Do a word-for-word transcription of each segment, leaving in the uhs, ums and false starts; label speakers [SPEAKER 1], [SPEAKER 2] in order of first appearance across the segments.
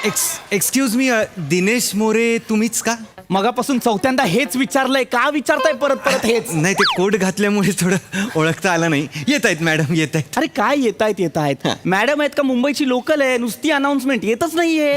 [SPEAKER 1] X excuse me Dinesh More तुम्हीच का?
[SPEAKER 2] मगापासून चौथ्यांदा हेच विचारलंय, का विचारताय परत परत हेच?
[SPEAKER 1] नाही ते कोट घातल्यामुळे थोडं ओळखता आलं नाही. येत आहेत मॅडम, येत आहेत.
[SPEAKER 2] अरे काय येत आहेत येत आहेत मॅडम आहेत का मुंबईची लोकल आहे, नुसती अनाउन्समेंट येतच नाहीये.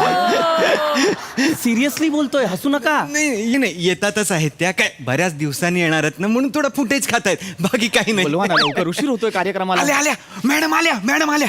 [SPEAKER 2] सिरियसली बोलतोय, हसू नका.
[SPEAKER 1] नाही नाही येतातच आहेत त्या, काय बऱ्याच दिवसांनी येणार आहेत ना म्हणून थोडं फुटेज खात आहेत, बाकी काही नाही.
[SPEAKER 2] बोलवा ना लवकर, उशीर होतोय कार्यक्रमाला.
[SPEAKER 1] आल्या आल्या मॅडम आल्या मॅडम आल्या.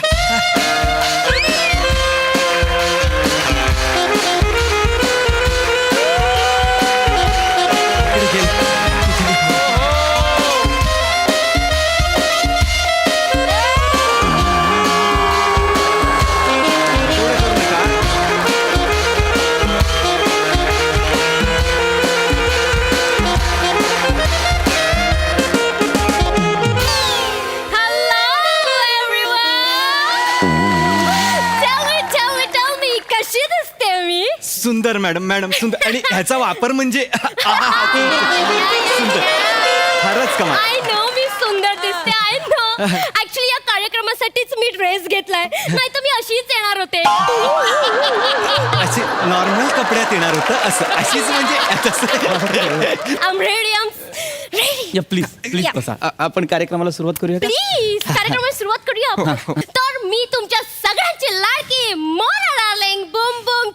[SPEAKER 1] सुंदर मॅडम, मॅडम सुंदर. आणि ह्याचा वापर म्हणजे सुंदर, फारच कमाल.
[SPEAKER 3] आय नो मी सुंदर दिसते, आय नो. ऍक्च्युली या कार्यक्रमासाठीच मी ड्रेस घेतलाय, नाही तर मी अशीच येणार होते.
[SPEAKER 1] असे नॉर्मल कपड्यात येणार होतं असं, अशीच म्हणजे
[SPEAKER 3] I am ready, I am ready.
[SPEAKER 2] या प्लीज प्लीज
[SPEAKER 3] Yeah.
[SPEAKER 2] बसा. आ- आपण कार्यक्रमाला सुरुवात करूया का?
[SPEAKER 3] प्लीज कार्यक्रमाला सुरुवात करूया आपण. तर मी तुमच्या सगळ्यांची लाडकी मोना डार्लिंग बूम बूम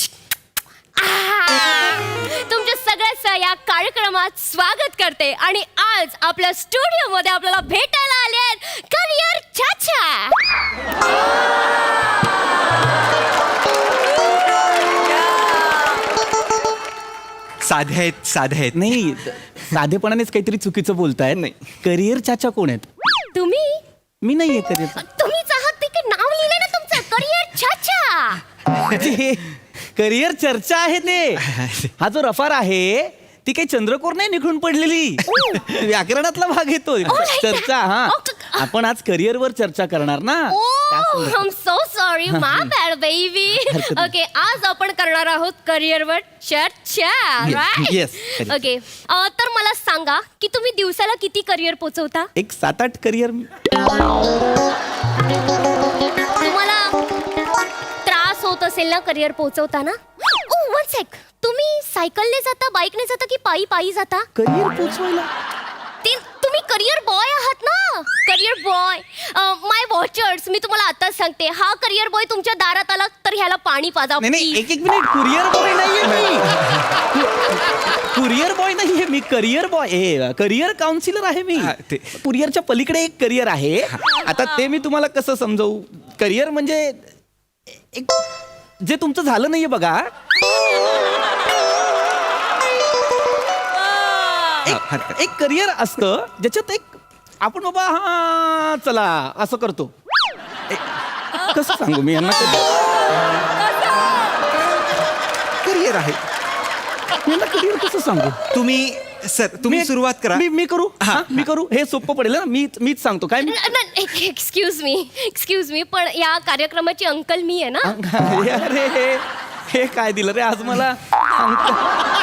[SPEAKER 3] तुमच्या सगळ्याचं या कार्यक्रमात स्वागत करते. आणि आज आपल्या स्टुडिओ मध्ये आपल्याला भेटायला आले आहेत करियर चाचा.
[SPEAKER 1] साधे आहेत, साधे आहेत.
[SPEAKER 2] नाही, साधेपणानेच काहीतरी चुकीचं बोलताय. नाही, करिअर चाचा कोण आहेत?
[SPEAKER 3] तुम्ही
[SPEAKER 2] मी नाहीये करिअर.
[SPEAKER 3] तुम्हीच आहात ते की नाव लिहिलंय ना तुमचं करियर चाचा.
[SPEAKER 2] करिअर चर्चा आहे ते. हा जो रफार आहे ती काही चंद्रकोर नाही निघून पडलेली, व्याकरणातला भाग येतो. चर्चा. हा, आपण आज करिअरवर चर्चा करणार ना.
[SPEAKER 3] Oh, I'm so sorry, my bad, baby. Okay, आज आपण करणार आहोत करिअरवर चर्चा, right?
[SPEAKER 2] Yes, correct.
[SPEAKER 3] Okay, अं, तर मला सांगा की तुम्ही दिवसाला किती करिअर पोचवता?
[SPEAKER 2] एक सात आठ करिअर.
[SPEAKER 3] तुम्हाला त्रास होत असेल ना करिअर पोचवताना? ओ वन सेक, तुम्ही सायकलने जाता, बाईकने जाता की पायी पायी जाता?
[SPEAKER 2] करिअर पोचवायला
[SPEAKER 3] ते तुम्ही करिअर बॉय आहात ना, करिअर बॉय. माय वॉचर्स, मी तुम्हाला आताच सांगते, हा करिअर बॉय तुमच्या दारात आला तर ह्याला पाणी पाजा.
[SPEAKER 2] नाही नाही, एक एक मिनिट. कुरिअर बॉय नाहीये मी. कुरिअर बॉय नाहीये मी, करिअर बॉय आहे. करिअर काउन्सिलर आहे मी.
[SPEAKER 1] हा, ते-
[SPEAKER 2] कुरिअरच्या पलीकडे एक करिअर आहे. आता ते मी तुम्हाला कसं समजवू? करिअर म्हणजे एक जे तुमचं झालं नाहीये बघा. एक- एक करिअर असतं ज्याच्यात एक आपण बाबा हा चला असं करतो. एक- कसं सांगू मी यांना?
[SPEAKER 1] करिअर आहे.
[SPEAKER 2] यांना करिअर कसं सांगू?
[SPEAKER 1] तुम्ही सर तुम्ही
[SPEAKER 2] मी-
[SPEAKER 1] सुरुवात करा.
[SPEAKER 2] मी मी करू.
[SPEAKER 1] हा.
[SPEAKER 2] हा, मी करू. हे सोपं पडेल ना. मी मीच सांगतो काय. Me
[SPEAKER 3] excuse me excuse me पण या कार्यक्रमाची अंकल मी आहे ना.
[SPEAKER 2] अरे हे हे काय दिलं रे आज मला? अंकल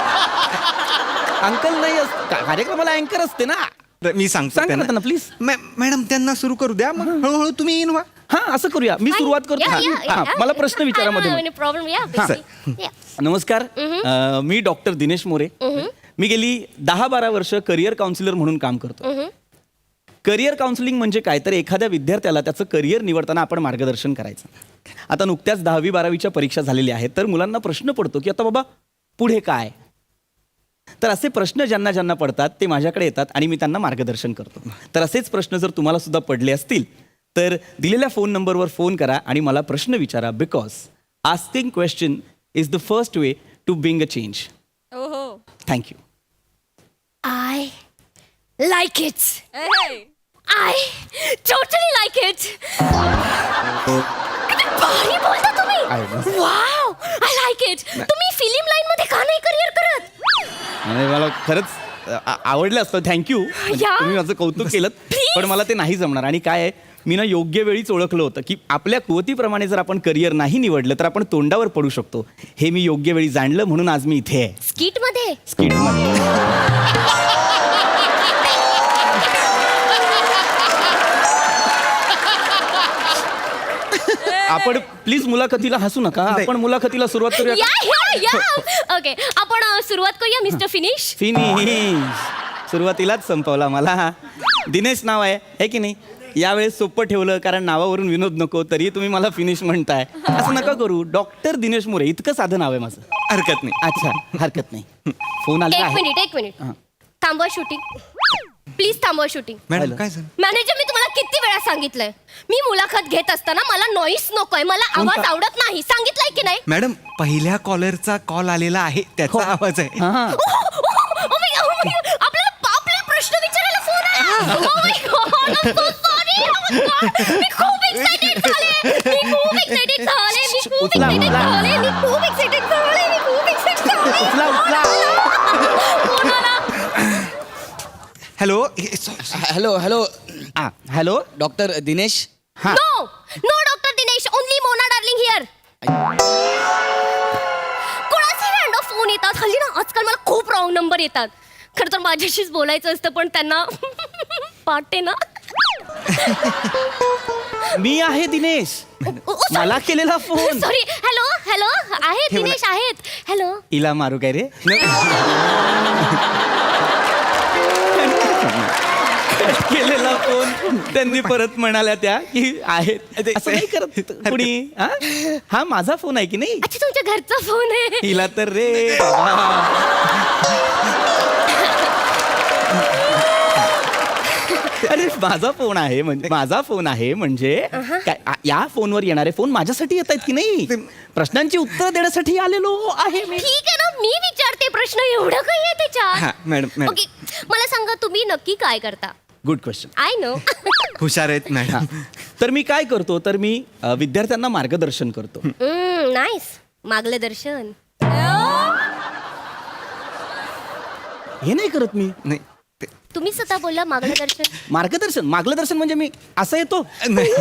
[SPEAKER 2] अंकल नाही असत का- कार्यक्रमाला अँकर असते ना.
[SPEAKER 1] मी सांगतो
[SPEAKER 2] सांगा ना
[SPEAKER 1] त्यांना.
[SPEAKER 2] त्यांना प्लीज.
[SPEAKER 1] मॅ- मॅडम त्यांना सुरू करू द्या, मग हळूहळू तुम्ही इन व्हा.
[SPEAKER 2] हा, असं करूया. मी सुरुवात करतो. हा, मला प्रश्न विचारा मध्ये.
[SPEAKER 3] प्रॉब्लेम या.
[SPEAKER 2] नमस्कार. अं, मी डॉक्टर दिनेश मोरे. मी गेली दहा बारा वर्ष करिअर काउन्सिलर म्हणून काम करतो. करिअर काउन्सिलिंग म्हणजे काय, तर एखाद्या विद्यार्थ्याला त्याचं करिअर निवडताना आपण मार्गदर्शन करायचं. आता नुकत्याच दहावी बारावीच्या परीक्षा झालेल्या आहेत, तर मुलांना प्रश्न पडतो की आता बाबा पुढे काय. तर असे प्रश्न ज्यांना ज्यांना पडतात ते माझ्याकडे येतात आणि मी त्यांना मार्गदर्शन करतो. तर असेच प्रश्न जर तुम्हाला सुद्धा पडले असतील तर दिलेल्या फोन नंबरवर फोन करा आणि मला प्रश्न विचारा. Because asking question is the first way to being a change. Thank you.
[SPEAKER 3] I like it. I totally like it. भारी बोलता तुम्ही. Wow, I like it. तुम्ही फिल्म लाईन मध्ये का नाही करिअर करत?
[SPEAKER 2] आणि मला खरंच आ- आवडलं असतं. थँक्यू.
[SPEAKER 3] या.
[SPEAKER 2] तुम्ही माझं कौतुक केलं.
[SPEAKER 3] Please.
[SPEAKER 2] पण मला ते नाही जमणार. आणि काय आहे, मी ना योग्य वेळीच ओळखलं होतं की आपल्या कुवतीप्रमाणे जर आपण करिअर नाही निवडलं तर आपण तोंडावर पडू शकतो. हे मी योग्य वेळी जाणलं, म्हणून आज मी इथे आहे.
[SPEAKER 3] स्किट मध्ये.
[SPEAKER 2] स्किटमध्ये. आपण प्लीज मुलाखतीला हसू नका. आपण मुलाखतीला सुरुवात करूया.
[SPEAKER 3] या या या ओके आपण अ, सुरुवात करूया मिस्टर फिनिश.
[SPEAKER 2] फिनिश सुरुवातीलाच संपवला मला. दिनेश नाव आहे है की नाही. यावेळेस सोपं ठेवलं कारण नावावरून विनोद नको, तरी तुम्ही मला फिनिश म्हणताय. असं नका करू. डॉक्टर दिनेश मोरे इतकं साधं नाव आहे माझं.
[SPEAKER 1] हरकत नाही.
[SPEAKER 2] अच्छा हरकत नाही. फोन आला
[SPEAKER 3] एक
[SPEAKER 2] आहे.
[SPEAKER 3] मिनिट एक मिनिट
[SPEAKER 2] हां.
[SPEAKER 3] थांबवा शूटिंग प्लीज थांबवा शूटिंग.
[SPEAKER 1] Madam
[SPEAKER 2] hello.
[SPEAKER 1] काय झालं?
[SPEAKER 3] मॅनेजर मी तुम्हाला किती वेळा सांगितलंय मी मुलाखत घेत असताना मला नॉईस नकोय, मला आवाज
[SPEAKER 2] कोणता?
[SPEAKER 3] आवडत नाही. सांगितलंय की नाही?
[SPEAKER 1] मॅडम पहिल्या कॉलरचा कॉल आलेला आहे त्याचा आवाज आहे.
[SPEAKER 2] हां.
[SPEAKER 3] Oh my God, oh my God. आपल्याला आपल्याला प्रश्न विचारायला फोन आला. Oh my God, I'm so sorry. Oh my God. मी खूप एक्साइटेड झाले. मी खूप एक्साइटेड झाले. मी खूप
[SPEAKER 2] उचला,
[SPEAKER 3] एक्साइटेड
[SPEAKER 2] उचला.
[SPEAKER 3] झाले. मी खूप एक्साइटेड झाले. मी खूप एक्साइटेड झाले.
[SPEAKER 2] उचला, उचला.
[SPEAKER 3] फोन आला.
[SPEAKER 1] हॅलो.
[SPEAKER 4] हॅलो हॅलो
[SPEAKER 2] आ, हॅलो
[SPEAKER 4] डॉक्टर दिनेश.
[SPEAKER 2] हां.
[SPEAKER 3] No no doctor Dinesh, only Mona darling here. कोणाचे रँडम फोन येतात हल्ली ना. आजकाल मला खूप रॉंग नंबर येतात. खरं तर माझ्याशीच बोलायचं असतं पण त्यांना पाटे ना.
[SPEAKER 2] मी आहे दिनेश. मला केलेला फोन.
[SPEAKER 3] सॉरी. हॅलो हॅलो आहेत दिनेश आहेत. हॅलो
[SPEAKER 2] इला मारू काय रे. केलेला फोन त्यांनी परत म्हणाल्या त्या की आहेत. असं नाही करत कुणी. हा? हा माझा फोन आहे की नाही.
[SPEAKER 3] अच्छा तुमच्या घरचा फोन आहे.
[SPEAKER 2] हिला तर रे बाबा. अरे माझा फोन आहे म्हणजे माझा फोन आहे म्हणजे काय आ- या फोनवर येणारे फोन माझ्यासाठी येत आहेत की नाही. प्रश्नांची उत्तर देण्यासाठी आलेलो आहे मी.
[SPEAKER 3] ठीक आहे ना, मी विचारते प्रश्न. एवढं काही आहे
[SPEAKER 1] हा
[SPEAKER 3] त्याच्यात.
[SPEAKER 1] मॅडम मॅडम
[SPEAKER 3] ओके मला सांगा तुम्ही नक्की काय करता.
[SPEAKER 2] Good question.
[SPEAKER 3] I know.
[SPEAKER 1] हुशार आहेत मॅडम.
[SPEAKER 2] तर मी काय करतो तर मी अ, विद्यार्थ्यांना मार्गदर्शन करतो.
[SPEAKER 3] नाईस. मागलं दर्शन.
[SPEAKER 2] हे नाही करत मी.
[SPEAKER 1] नाही ते-
[SPEAKER 3] तुम्ही स्वतः बोलला मागलं दर्शन.
[SPEAKER 2] मार्गदर्शन मार्गदर्शन म्हणजे मी असं येतो
[SPEAKER 1] नाही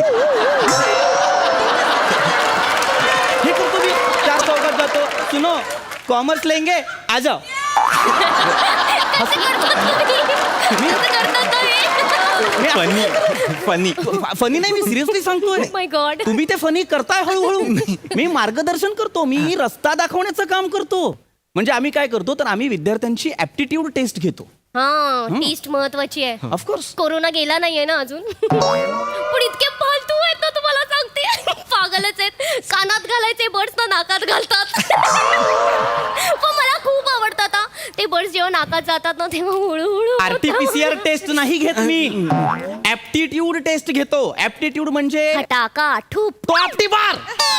[SPEAKER 2] हे करतो मी. चार चौकात जातो. सुनो कॉमर्स लेंगे आ जाओ.
[SPEAKER 3] कसं करता तुम्ही? कसं करता तुम्ही?
[SPEAKER 1] Funny funny.
[SPEAKER 2] फनी नाही मी सिरियसली सांगतोय.
[SPEAKER 3] My god.
[SPEAKER 2] तुम्ही ते फनी करताय हळूहळू. मी मार्गदर्शन करतो. मी रस्ता दाखवण्याचं काम करतो. म्हणजे आम्ही काय करतो तर आम्ही विद्यार्थ्यांची ऍप्टिट्यूड टेस्ट घेतो.
[SPEAKER 3] हा टेस्ट महत्वाची आहे.
[SPEAKER 2] ऑफकोर्स.
[SPEAKER 3] कोरोना गेला नाहीये ना अजून. पण इतके फालतू आहेत ना तुम्हाला सांगते. पागलच आहेत. कानात घालायचे बर्ड्स ना नाकात घालतात. पण मला खूप आवडतात हा. ते बर्ड्स जेव्हा नाकात जातात ना तेव्हा हळूहळू
[SPEAKER 2] आरटीपीसीआर टेस्ट नाही घेत मी. ऍप्टिट्यूड टेस्ट घेतो. ऍप्टिट्यूड म्हणजे
[SPEAKER 3] टाका ठूप
[SPEAKER 2] तो आपटी बार.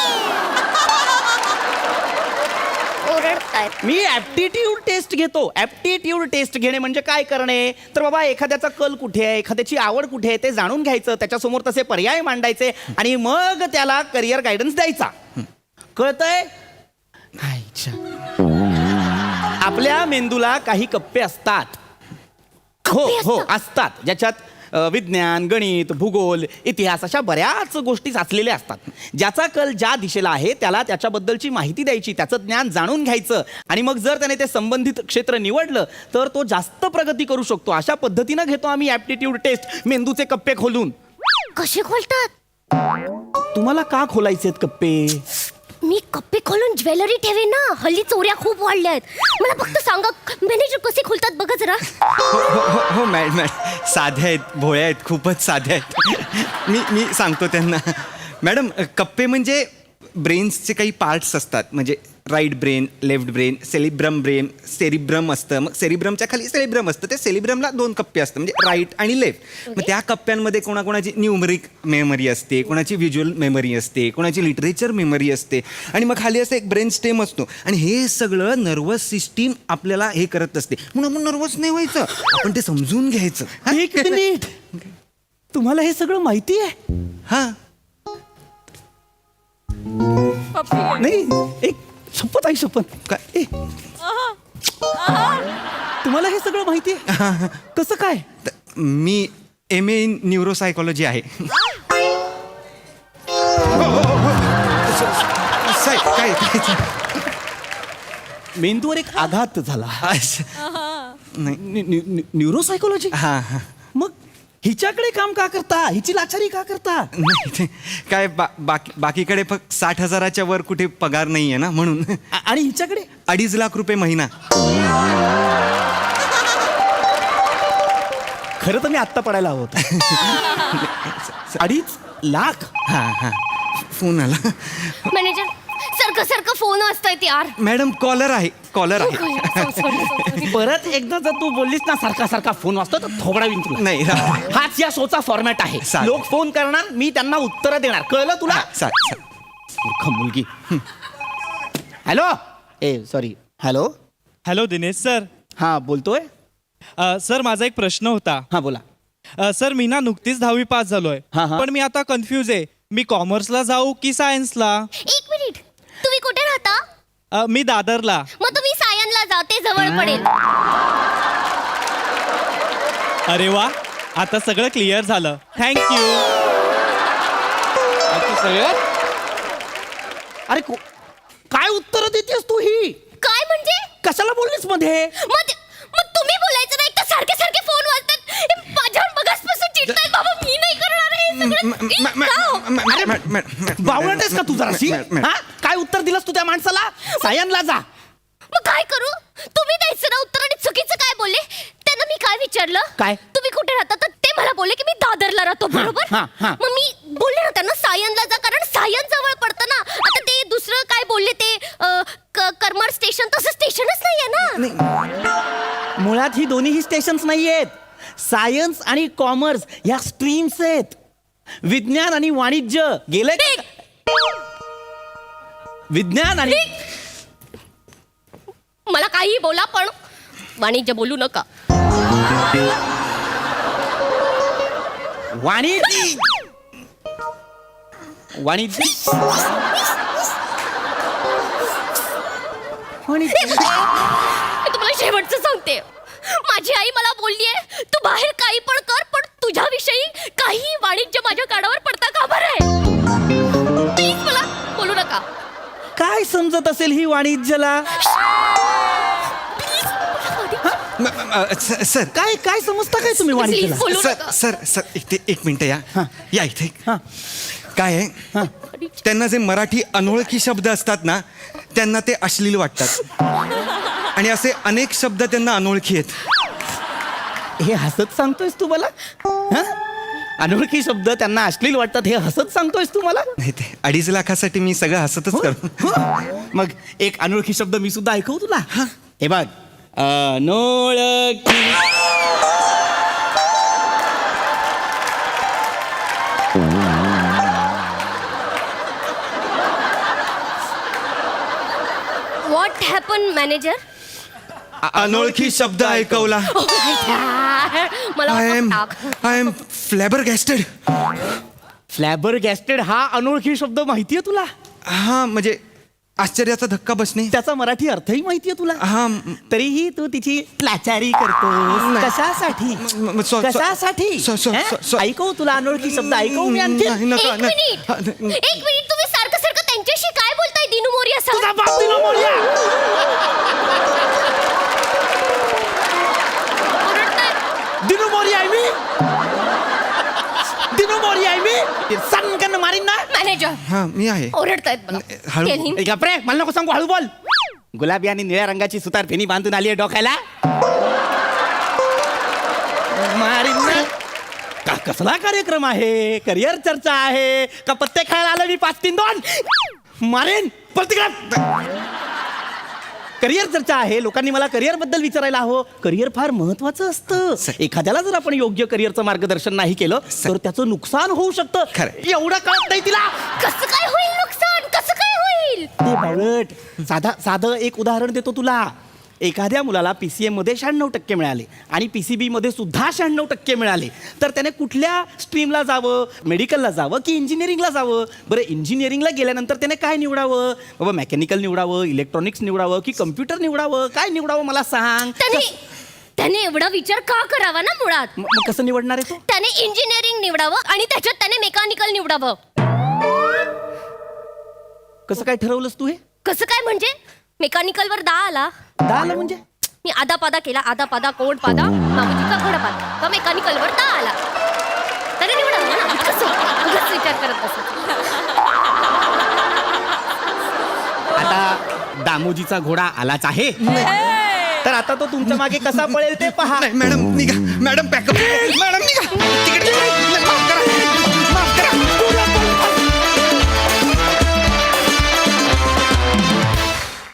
[SPEAKER 3] ओरडतायत.
[SPEAKER 2] मी ऍप्टिट्यूड टेस्ट घेतो. ऍप्टिट्यूड टेस्ट घेणे म्हणजे काय करणे तर बाबा एखाद्याचा कल कुठे आहे, एखाद्याची आवड कुठे आहे ते जाणून घ्यायचं, त्याच्यासमोर तसे पर्याय मांडायचे आणि मग त्याला करिअर गायडन्स द्यायचा. कळतंय. अच्छा. आपल्या मेंदूला काही कप्पे असतात. हो हो असतात ज्याच्यात अ, विज्ञान, गणित, भूगोल, इतिहास अशा बऱ्याच गोष्टी साचलेल्या असतात. ज्याचा कल ज्या दिशेला आहे त्याला त्याच्याबद्दलची माहिती द्यायची, त्याचं ज्ञान जाणून घ्यायचं आणि मग जर त्याने ते संबंधित क्षेत्र निवडलं तर तो जास्त प्रगती करू शकतो. अशा पद्धतीनं घेतो आम्ही ऍप्टिट्यूड टेस्ट मेंदूचे कप्पे खोलून.
[SPEAKER 3] कसे खोलतात?
[SPEAKER 2] तुम्हाला का खोलायचे कप्पे.
[SPEAKER 3] मी कप्पे खोलून ज्वेलरी ठेवेन ना. हल्ली चोऱ्या खूप वाढल्या आहेत. मला फक्त सांगा मॅनेजर कसे खोलतात बघा जरा.
[SPEAKER 1] हो हो हो हो मॅडम मॅडम साध्या आहेत, भोळ्या आहेत, खूपच साध्या आहेत. मी मी सांगतो त्यांना. मॅडम कप्पे म्हणजे ब्रेन्सचे काही पार्ट्स असतात. म्हणजे right brain, left brain, cerebrum brain, cerebrum असतं. मग सेरिब्रमच्या खाली सेलिब्रम असतं. ते सेलिब्रमला दोन कप्पे असतात म्हणजे राईट आणि लेफ्ट. मग त्या कप्प्यांमध्ये कोणाकोणाची न्यूमरिक मेमरी असते, कोणाची व्हिज्युअल मेमरी असते, कोणाची लिटरेचर मेमरी असते आणि मग खाली असं एक ब्रेन स्टेम असतो आणि हे सगळं नर्वस सिस्टीम आपल्याला हे करत असते. म्हणून आपण नर्वस नाही व्हायचं, आपण ते समजून घ्यायचं. हा?
[SPEAKER 2] एक मिनिट. तुम्हाला हे सगळं माहिती आहे.
[SPEAKER 1] हा
[SPEAKER 2] नाही एक शपथ आहे शपथ.
[SPEAKER 1] काय
[SPEAKER 2] ए. तुम्हाला हे सगळं माहिती आहे कसं काय.
[SPEAKER 1] त- मी एम ए इन न्यूरोसायकॉलॉजी आहे. साहेब, काय काय-
[SPEAKER 2] मेंदूवर एक आघात झाला.
[SPEAKER 1] असं- नाही
[SPEAKER 2] न्यूरोसायकोलॉजी.
[SPEAKER 1] हा हा
[SPEAKER 2] मग हिच्याकडे काम का करता, हिची लाचारी का करता?
[SPEAKER 1] नाही ते काय बा बाकी बाकीकडे फक्त साठ हजाराच्या वर कुठे पगार नाही आहे ना म्हणून.
[SPEAKER 2] आ- आणि हिच्याकडे
[SPEAKER 1] अडीच लाख रुपये महिना.
[SPEAKER 2] खरं तर मी आत्ता पडायला हवं होतं. अडीच लाख.
[SPEAKER 1] हा हा फोन आला.
[SPEAKER 3] मॅनेजर सारखं सारखं फोन असतायत यार.
[SPEAKER 1] मॅडम कॉलर आहे कॉलर आहे.
[SPEAKER 3] Sorry, sorry, sorry.
[SPEAKER 2] परत एकदा जर तू बोललीस ना सारखा सारखा फोन वाजतो तर थोबडा विन तुला.
[SPEAKER 1] नाही रा-
[SPEAKER 2] हाच या शोचा फॉर्मॅट आहे.
[SPEAKER 1] चालेल.
[SPEAKER 2] लोक फोन करणार, मी त्यांना उत्तर देणार. कळलं तुला?
[SPEAKER 1] हा, चा- चा-
[SPEAKER 2] मूर्ख मुलगी. हॅलो. ए sorry. Hello.
[SPEAKER 5] Hello Dinesh sir.
[SPEAKER 2] हा बोलतोय.
[SPEAKER 5] अ, सर माझा एक प्रश्न होता.
[SPEAKER 2] हा बोला.
[SPEAKER 5] अ, सर मी ना नुकतीच दहावी पास झालोय,
[SPEAKER 2] हा, हा.
[SPEAKER 5] पण मी आता कन्फ्यूज आहे. मी कॉमर्सला जाऊ की सायन्सला?
[SPEAKER 3] एक मिनिट, तुम्ही कुठे राहता?
[SPEAKER 5] अ, मी दादरला.
[SPEAKER 3] मग तुम्ही सायनला जा, ते जवळ पडेल.
[SPEAKER 5] अरे वा, आता सगळं क्लिअर झालं. थँक्यू.
[SPEAKER 2] अरे को- काय उत्तर देतेस तू ही?
[SPEAKER 3] काय म्हणजे?
[SPEAKER 2] कशाला बोललीस मध्ये?
[SPEAKER 3] मग ते- मग तुम्ही बोलायचं नाही तर सारखे सारखे फोन वाजतात. हे माझ्यावर बघासपासून चिडतायत बाबा. मी नाही करणार हे
[SPEAKER 1] म-
[SPEAKER 3] सगळं.
[SPEAKER 1] म-
[SPEAKER 3] ई,
[SPEAKER 1] म-
[SPEAKER 3] का हो?
[SPEAKER 1] म- म- म- म- म-
[SPEAKER 2] बावळट आहेस का तू जराशी?
[SPEAKER 1] म- म-
[SPEAKER 2] हा काय उत्तर दिलंस तू त्या माणसाला? सायनला जा.
[SPEAKER 3] मग काय करू? तुम्ही द्यायचं ना उत्तर आणि चुकीचं काय बोलले? त्यांना मी काय विचारलं?
[SPEAKER 2] काय?
[SPEAKER 3] तुम्ही कुठे राहता? तर ते मला बोलले की मी दादरला राहतो, बरोबर?
[SPEAKER 2] हा, हा.
[SPEAKER 3] मग मी बोलले ना त्यांना सायनला जा, कारण सायन जवळ पडतं ना. आता ते दुसरं काय बोलले ते अ, क- करमर स्टेशन, तसं स्टेशनच नाहीये ना.
[SPEAKER 2] मुळात ही दोन्हीही स्टेशन्स नाही आहेत. सायन्स आणि कॉमर्स ह्या स्ट्रीम्स आहेत. विज्ञान आणि वाणिज्य गेले का? विज्ञान आणि
[SPEAKER 3] मला काही बोला पण वाणिज्य बोलू नका.
[SPEAKER 2] वाणिज्य वाणिज्य वाणिज्य
[SPEAKER 3] मी तुम्हाला शेवटचं सांगते. माझी आई मला बोललीये तू बाहेर काही पण कर, पण तुझ्याविषयी काही वाणिज्य माझ्या कानावर पडता कामा नये. प्लीज मला बोलू नका.
[SPEAKER 2] काय समजत असेल ही वाणिज्यला?
[SPEAKER 1] म- म- स- सर
[SPEAKER 2] काय काय समजता काय तुम्ही वाणिज्यला?
[SPEAKER 3] Please, बोलू
[SPEAKER 1] सर
[SPEAKER 3] नका.
[SPEAKER 1] सर सर इथे एक मिनिट या
[SPEAKER 2] हा.
[SPEAKER 1] या इथे.
[SPEAKER 2] हा.
[SPEAKER 1] काय आहे त्यांना जे मराठी अनोळखी शब्द असतात ना त्यांना ते अश्लील वाटतात आणि असे अनेक शब्द त्यांना अनोळखी आहेत.
[SPEAKER 2] हे हसत सांगतोयस तू मला? हा? अनोळखी शब्द त्यांना अश्लील वाटतात हे हसत सांगतोयस तू मला?
[SPEAKER 1] नाही ते अडीच लाखासाठी मी सगळं हसतच करतो.
[SPEAKER 2] हो. मग एक अनोळखी शब्द मी सुद्धा ऐकवू तुला? हे बघ. अनोळखी.
[SPEAKER 3] What happen manager?
[SPEAKER 1] अनोळखी शब्द ऐकवला.
[SPEAKER 3] मला
[SPEAKER 1] आय एम
[SPEAKER 3] टाक.
[SPEAKER 1] I am flabbergasted.
[SPEAKER 2] Flabbergasted हा अनोळखी शब्द माहितीये तुला?
[SPEAKER 1] हा म्हणजे आश्चर्याचा धक्का बसणे.
[SPEAKER 2] त्याचा मराठी अर्थही माहितीये तुला?
[SPEAKER 1] हा म-
[SPEAKER 2] तरीही तू तिची लाचारी करतोस.
[SPEAKER 1] नाही.
[SPEAKER 2] कशासाठी?
[SPEAKER 1] म- म- सॉ- सॉ-
[SPEAKER 2] कशासाठी?
[SPEAKER 1] सॉ- सॉ-
[SPEAKER 2] हं?
[SPEAKER 1] सॉ- सॉ-
[SPEAKER 2] ऐकवू तुला अनोळखी शब्द ऐकवू मी आणखी?
[SPEAKER 1] नाही, नका,
[SPEAKER 3] एक
[SPEAKER 1] नाही.
[SPEAKER 3] मिनिट
[SPEAKER 1] हा, न-
[SPEAKER 3] एक मिनिट, तुम्ही सारखं सारखं त्यांच्याशी काय बोलताय दिनू मोरिया सर?
[SPEAKER 2] तुझा बाप दिनो मोरया.
[SPEAKER 3] ओरडतायत.
[SPEAKER 2] दिनो मोरया आहे मी. दिनो मोरया आहे मी. सांगन मारीन ना.
[SPEAKER 3] मॅनेजर
[SPEAKER 1] हा मी आहे.
[SPEAKER 3] ओरडतायत मला.
[SPEAKER 1] हळू.
[SPEAKER 3] Tell him.
[SPEAKER 2] ए, गप्रे मला नको सांगू, हळू बोल. गुलाबी आणि निळ्या रंगाची सुतार फेनी बांधून आली आहे डोक्याला. मारीन ना. का कसला कार्यक्रम आहे? करिअर चर्चा आहे का पत्ते खेळायला आलं मी पाच तीन दोन? मारेन करिअर चर्चा आहे. लोकांनी मला करिअर बद्दल विचारायला हवं. करिअर फार महत्वाचं असतं. एखाद्याला जर आपण योग्य करिअरचं मार्गदर्शन नाही केलं तर त्याचं नुकसान होऊ शकतं.
[SPEAKER 1] खरंय.
[SPEAKER 2] एवढं कळत नाही तिला.
[SPEAKER 3] कसं काय होईल नुकसान? कसं काय होईल?
[SPEAKER 2] ते बावळट. साधा साधं एक उदाहरण देतो तुला. एखाद्या मुलाला पी सी एममध्ये शहाण्णव टक्के मिळाले आणि पी सी बीमध्ये सुद्धा शहाण्णव टक्के मिळाले तर त्याने कुठल्या स्ट्रीमला जावं? मेडिकलला जावं की इंजिनिअरिंगला जावं? बरं इंजिनिअरिंगला गेल्यानंतर त्याने काय निवडावं? बाबा मेकॅनिकल निवडावं, इलेक्ट्रॉनिक्स निवडावं की कम्प्युटर निवडावं? काय निवडावं मला सांग.
[SPEAKER 3] त्याने त्याने एवढा विचार का करावा ना मुळात?
[SPEAKER 2] म- मग कसं निवडणार आहे तो?
[SPEAKER 3] त्याने इंजिनिअरिंग निवडावं आणि त्याच्यात त्याने मेकॅनिकल निवडावं.
[SPEAKER 2] कसं काय ठरवलंस तू हे?
[SPEAKER 3] कसं काय म्हणजे? मेकॅनिकलवर दहा आला,
[SPEAKER 2] दहा आलं म्हणजे
[SPEAKER 3] मी आदा पादा केला, आदा पादा कोण पादा मामुजीचा घोडा पादा, तर मेकॅनिकलवर दहा आला. तेच विचार करत बसत.
[SPEAKER 5] आता दामोजीचा घोडा आलाच आहे तर आता तो तुमच्या मागे कसा पळेल ते पहा.
[SPEAKER 1] नाही मॅडम निघा मॅडम पॅकअप मॅडम निघा तिकीट